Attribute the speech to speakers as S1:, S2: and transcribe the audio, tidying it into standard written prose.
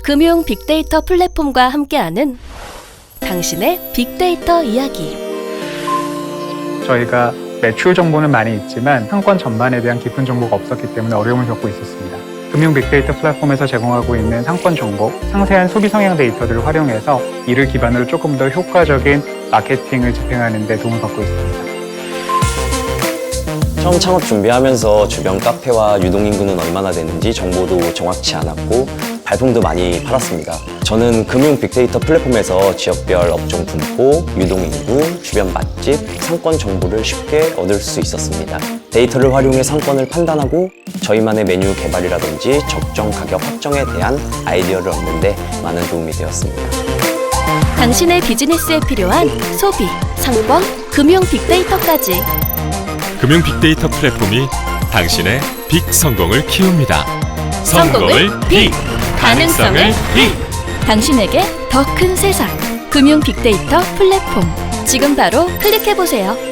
S1: 금융 빅데이터 플랫폼과 함께하는 당신의 빅데이터 이야기.
S2: 저희가 매출 정보는 많이 있지만 상권 전반에 대한 깊은 정보가 없었기 때문에 어려움을 겪고 있었습니다. 금융 빅데이터 플랫폼에서 제공하고 있는 상권 정보, 상세한 소비 성향 데이터들을 활용해서 이를 기반으로 조금 더 효과적인 마케팅을 집행하는 데 도움을 받고 있습니다.
S3: 처음 창업 준비하면서 주변 카페와 유동인구는 얼마나 되는지 정보도 정확치 않았고 발품도 많이 팔았습니다. 저는 금융 빅데이터 플랫폼에서 지역별 업종 분포, 유동인구, 주변 맛집, 상권 정보를 쉽게 얻을 수 있었습니다. 데이터를 활용해 상권을 판단하고 저희만의 메뉴 개발이라든지 적정 가격 확정에 대한 아이디어를 얻는 데 많은 도움이 되었습니다.
S1: 당신의 비즈니스에 필요한 소비, 상권, 금융 빅데이터까지.
S4: 금융 빅데이터 플랫폼이 당신의 빅 성공을 키웁니다. 성공을 빅! 가능성을 빅!
S1: 당신에게 더 큰 세상. 금융 빅데이터 플랫폼. 지금 바로 클릭해보세요.